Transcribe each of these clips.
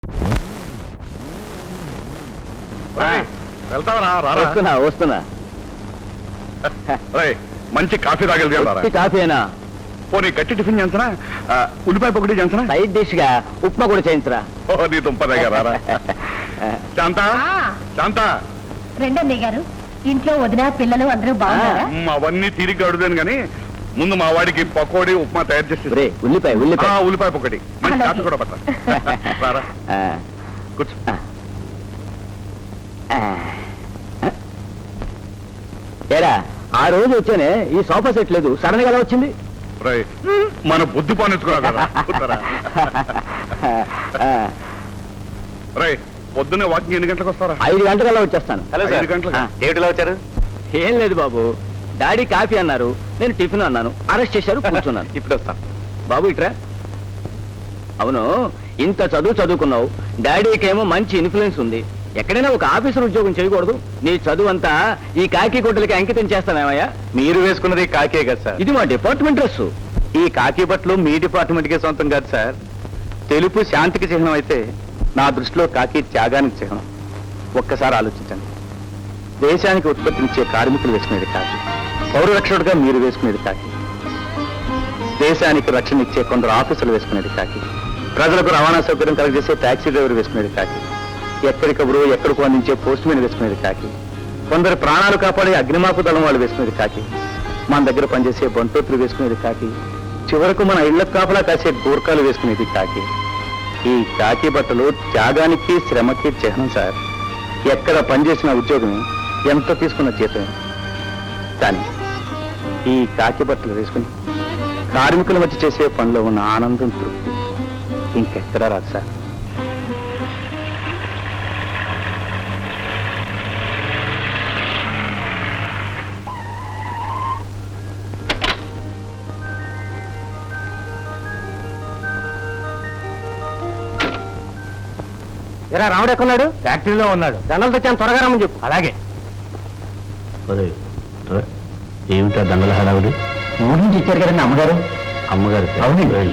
వెళ్తావరా? వస్తున్నా. మంచి కాఫీ తాగలిగా? కాఫీనా? పోనీ గట్టి టిఫిన్ చేయించరా? ఉల్లిపాయ పొగటి చేయించరా? సైడ్ డిష్ గా ఉప్మా కూడా చేయించరా? ఓ నీ దుంపదగారా. శాంత శాంత రెండన్నయ్య గారు, ఇంట్లో వదిన పిల్లలు అందరూ బాగున్నారా? అవన్నీ తిరిగి అడుగుదాను గాని ముందు మా వాడికి పకోడీ ఉప్మా తయారు చేసి ఉల్లిపాయ ఉల్లిపాయ పొగటి మంచి కాఫీ కూడా పట్టరా. కూర్చో. ఏరా ఆ రోజు వచ్చానే ఈ సోఫా సెట్ లేదు, సడన్ గా ఎలా వచ్చింది? మన బుద్ధి పానించుకున్నా. పొద్దున్నే వాకింగ్ ఎన్ని గంటలకు వస్తారా? 5 గంటలకల్లా వచ్చేస్తాను. 5 గంటలకు ఏమిటిలా వచ్చారు? ఏం లేదు బాబు, డాడీ కాఫీ అన్నారు, నేను టిఫిన్ అన్నాను, అరెస్ట్ చేశారు, కూర్చున్నాను. ఇప్పుడు వస్తాను బాబు. ఇట్రా. అవును, ఇంత చదువుకున్నావు, డాడీకేమో మంచి ఇన్ఫ్లుయెన్స్ ఉంది, ఎక్కడైనా ఒక ఆఫీసర్ ఉద్యోగం చేయకూడదు? నీ చదువు అంతా ఈ కాకి గుడ్డలకి అంకితం చేస్తానేమయ్యా? మీరు వేసుకున్నది కాకే కదా సార్? ఇది మా డిపార్ట్మెంట్ డ్రెస్. ఈ కాకి బట్టలు మీ డిపార్ట్మెంట్ కే సొంతం కాదు సార్. తెలుపు శాంతికి చిహ్నం అయితే నా దృష్టిలో కాకి త్యాగానికి చిహ్నం. ఒక్కసారి ఆలోచించండి. దేశానికి ఉత్పత్తినిచ్చే కార్మికులు వేసుకునేది కాకి, పౌరరక్షకుడుగా మీరు వేసుకునేది కాకి, దేశానికి రక్షణ ఇచ్చే కొందరు ఆఫీసులు వేసుకునేది కాకి, ప్రజలకు రవాణా సౌకర్యం కలగజేసే టాక్సీ డ్రైవర్ వేసుకునేది కాకి, ఎక్కడికప్పుడు ఎక్కడికో అందించే పోస్ట్ మ్యాన్ వేసుకునేది కాకి, కొందరు ప్రాణాలు కాపాడే అగ్నిమాపు దళం వాళ్ళు వేసుకునేది కాకి, మన దగ్గర పనిచేసే బంటోతులు వేసుకునేది కాకి, చివరకు మన ఇళ్ల కాపలా కాసే గూర్ఖాలు వేసుకునేది కాకి. ఈ కాకి బట్టలు త్యాగానికి శ్రమకి చిహ్నం సార్. ఎక్కడ పనిచేసిన ఉద్యోగమే, ఎంత తీసుకున్న జీతమే. కానీ ఈ కాకి బట్టలు వేసుకుని కార్మికుల మధ్య చేసే పనిలో ఉన్న ఆనందం, తృప్తి ఇంకెక్కడా రాదు సార్. ఎరా రాముడు ఎక్కడున్నాడు? ఫ్యాక్టరీలో ఉన్నాడు. దండలు తెచ్చాను, త్వరగా రమ్మని చెప్పు. అలాగే. ఏమిటా దండల హడావుడి? ఊరి నుంచి ఇచ్చారు కదండి అమ్మగారు. అమ్మగారు? అవునండి.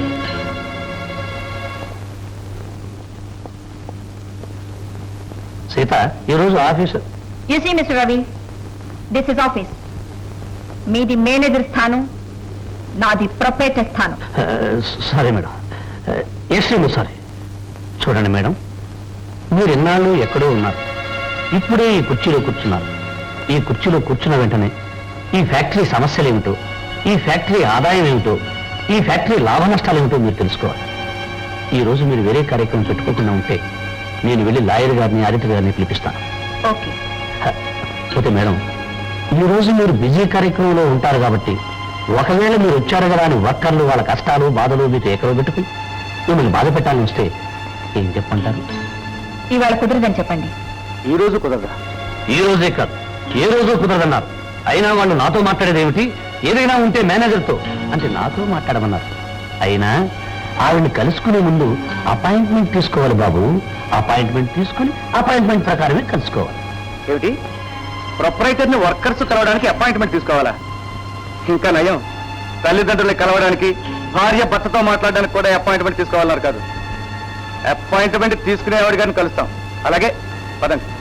సీత, ఈరోజు office. You see mister Ravi, this is office. మీది మేనేజర్ స్థానం, నాది ప్రొపరేటర్ స్థానం. Sorry madam. Extremely sorry. చూడండి మేడం, మీరు ఎన్నాళ్ళు ఎక్కడో ఉన్నారు, ఇప్పుడే ఈ కుర్చీలో కూర్చున్నారు. ఈ కుర్చీలో కూర్చున్న వెంటనే ఈ ఫ్యాక్టరీ సమస్యలు ఏమిటో, ఈ ఫ్యాక్టరీ ఆదాయం ఏమిటో, ఈ ఫ్యాక్టరీ లాభ నష్టాలు ఏమిటో మీరు తెలుసుకోవాలి. ఈ రోజు మీరు వేరే కార్యక్రమం పెట్టుకోకుండా ఉంటే నేను వెళ్ళి లాయర్ గారిని, ఆడిటర్ గారిని పిలిపిస్తాను. ఓకే. ఓకే మేడం, ఈ రోజు మీరు బిజీ కార్యక్రమంలో ఉంటారు కాబట్టి ఒకవేళ మీరు వచ్చారు కదా అని వర్కర్లు వాళ్ళ కష్టాలు బాధలు మీకు ఎక్కడో పెట్టుకుని మిమ్మల్ని బాధ పెట్టాలని వస్తే ఏం చెప్పంటారు? ఇవాళ కుదరదని చెప్పండి. ఈ రోజు కుదరదా? ఈ రోజే కాదు, ఏ రోజు కుదరదన్నారు. అయినా వాళ్ళు నాతో మాట్లాడేది ఏమిటి? ఏదైనా ఉంటే మేనేజర్తో అంటే నాతో మాట్లాడమన్నారు. అయినా ఆవిడ్ని కలుసుకునే ముందు అపాయింట్మెంట్ తీసుకోవాలి బాబు. అపాయింట్మెంట్ తీసుకుని అపాయింట్మెంట్ ప్రకారమే కలుసుకోవాలి. ఏమిటి? ప్రొపరైటర్ని వర్కర్స్ కలవడానికి అపాయింట్మెంట్ తీసుకోవాలా? ఇంకా నయం, తల్లిదండ్రుల్ని కలవడానికి, భార్య భర్తతో మాట్లాడడానికి కూడా అపాయింట్మెంట్ తీసుకోవాలన్నారు కాదు. అపాయింట్మెంట్ తీసుకునేవాడి గారిని కలుస్తాం. అలాగే పదండి.